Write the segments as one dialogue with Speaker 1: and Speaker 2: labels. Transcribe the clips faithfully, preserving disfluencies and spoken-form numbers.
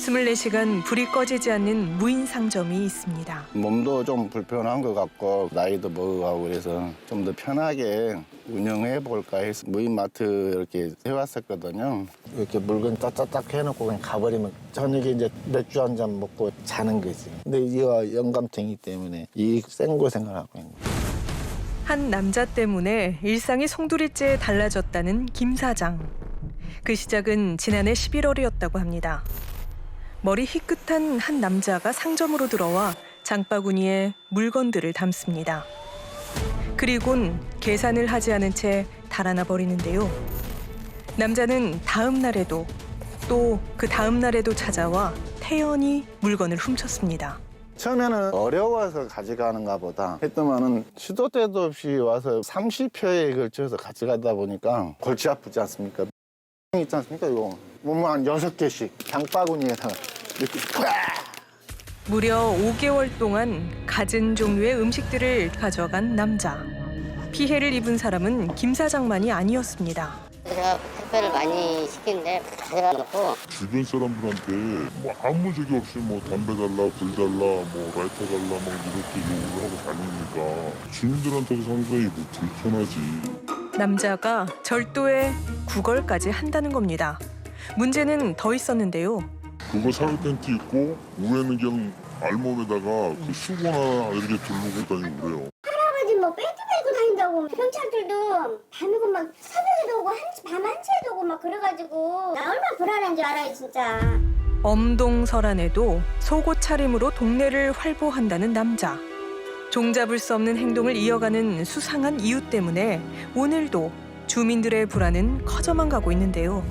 Speaker 1: 이십사 시간 불이 꺼지지 않는 무인 상점이 있습니다.
Speaker 2: 몸도 좀 불편한 것 같고 나이도 먹어가고 그래서 좀 더 편하게 운영해 볼까 해서 무인마트 이렇게 해왔었거든요. 이렇게 물건 따따딱 해놓고 그냥 가버리면 저녁에 이제 맥주 한 잔 먹고 자는 거지. 근데 이거 영감탱이 때문에 이 생고생을 하고 있는 거예요.
Speaker 1: 한 남자 때문에 일상이 송두리째 달라졌다는 김 사장. 그 시작은 지난해 십일월이었다고 합니다. 머리 희끗한 한 남자가 상점으로 들어와 장바구니에 물건들을 담습니다. 그리곤 계산을 하지 않은 채 달아나 버리는데요. 남자는 다음 날에도 또 그 다음 날에도 찾아와 태연히 물건을 훔쳤습니다.
Speaker 2: 처음에는 어려워서 가져가는가 보다 했더만은 시도 때도 없이 와서 삼십 회에 걸쳐서 가져가다 보니까 골치 아프지 않습니까? 있지 않습니까? 이거 몸을 한 여섯 개씩 장바구니에다가 이렇게 꽉!
Speaker 1: 무려 오 개월 동안 갖은 종류의 음식들을 가져간 남자. 피해를 입은 사람은 김 사장만이 아니었습니다.
Speaker 3: 제가 택배를 많이 시키는데 가져다 놓고
Speaker 4: 주변 사람들한테 뭐 아무 적이 없이 뭐 담배 달라, 불 달라, 뭐 라이터 달라 막 이렇게 요구를 하고 다니니까 주민들한테도 상당히 뭐 불편하지.
Speaker 1: 남자가 절도에 구걸까지 한다는 겁니다. 문제는 더 있었는데요.
Speaker 4: 그거 사각 팬티 입고 위에는 그냥 알몸에다가 그 수건하나 이렇게 두르고 다니고 그래요.
Speaker 5: 할아버지 뭐 벨트 메고 다닌다고 경찰들도 밤이고 막 새벽에도 오고 한시 밤 한시에도 오고 막 그래가지고 나 얼마나 불안한 줄 알아요 진짜.
Speaker 1: 엄동설안에도 속옷 차림으로 동네를 활보한다는 남자. 종잡을 수 없는 행동을 이어가는 수상한 이유 때문에 오늘도 주민들의 불안은 커져만 가고 있는데요.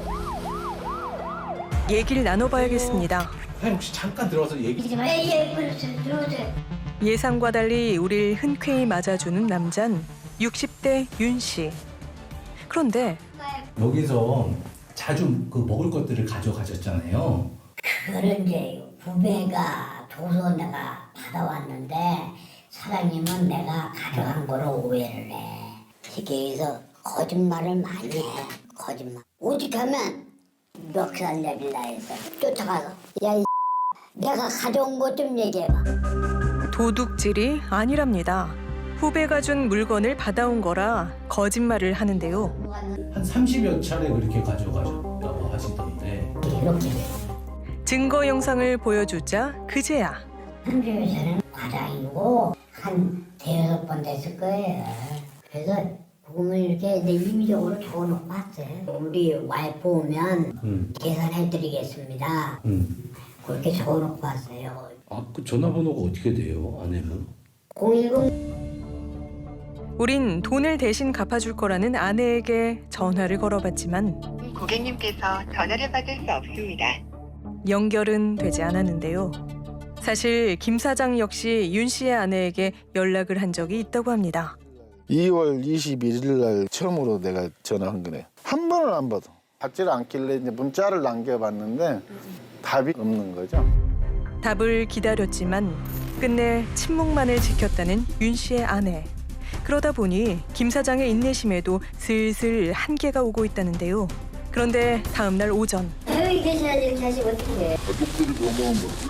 Speaker 1: 얘기를 나눠봐야겠습니다.
Speaker 6: 사장님 혹시 잠깐 들어가서 얘기 좀
Speaker 5: 예, 예, 그렇죠. 들어오세요.
Speaker 1: 예상과 달리 우릴 흔쾌히 맞아주는 남잔 육십 대 윤 씨. 그런데
Speaker 6: 여기서 자주 그 먹을 것들을 가져가셨잖아요.
Speaker 7: 그거를 이제 후배가 줘서 내가 받아왔는데 사장님은 내가 가져간 거로 오해를 해. 쉽게 해서 거짓말을 많이 해. 거짓말. 오직하면 멱살 내빌라 해서 쫓아가서 야 이 내가 가져온 것 좀 얘기해봐.
Speaker 1: 도둑질이 아니랍니다. 후배가 준 물건을 받아온 거라 거짓말을 하는데요.
Speaker 6: 한 삼십여 차례 그렇게 가져가셨다고 하시던데.
Speaker 7: 이렇게
Speaker 1: 증거 영상을 보여주자 그제야
Speaker 7: 삼십여 차례는 과장이고 한 대여섯 번 됐을 거예요. 그래서 복음을 이렇게 내 임의적으로 적어놓고 왔어요. 우리 와이프 오면
Speaker 6: 음.
Speaker 7: 계산해드리겠습니다.
Speaker 6: 음.
Speaker 7: 그렇게 적어놓고 왔어요.
Speaker 6: 아, 그 전화번호가 어떻게 돼요, 아내분?
Speaker 7: 공일공
Speaker 1: 우린 돈을 대신 갚아줄 거라는 아내에게 전화를 걸어봤지만
Speaker 8: 고객님께서 전화를 받을 수 없습니다.
Speaker 1: 연결은 되지 않았는데요. 사실 김 사장 역시 윤 씨의 아내에게 연락을 한 적이 있다고 합니다.
Speaker 2: 이월 이십일일 날 처음으로 내가 전화한 거네. 한 번을 안 받아. 받지를 않길래 이제 문자를 남겨봤는데 답이 없는 거죠.
Speaker 1: 답을 기다렸지만 끝내 침묵만을 지켰다는 윤 씨의 아내. 그러다 보니 김 사장의 인내심에도 슬슬 한계가 오고 있다는데요. 그런데 다음 날 오전
Speaker 5: 여기 계셔야지 이렇게 하시면 어떻게 해.
Speaker 4: 가족들이 너무한 거지.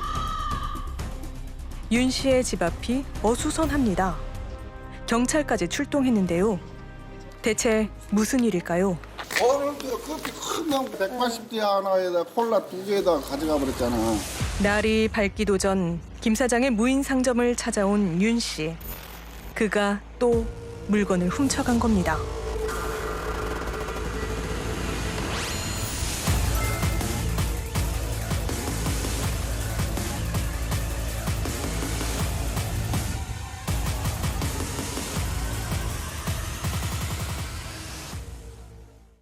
Speaker 1: 윤 씨의 집 앞이 어수선합니다. 경찰까지 출동했는데요. 대체 무슨 일일까요?
Speaker 2: 어, 커피 큰 명 백팔십 대 하나에다 콜라 두 개에다 가져가 버렸잖아.
Speaker 1: 날이 밝기도 전 김 사장의 무인 상점을 찾아온 윤 씨. 그가 또 물건을 훔쳐간 겁니다.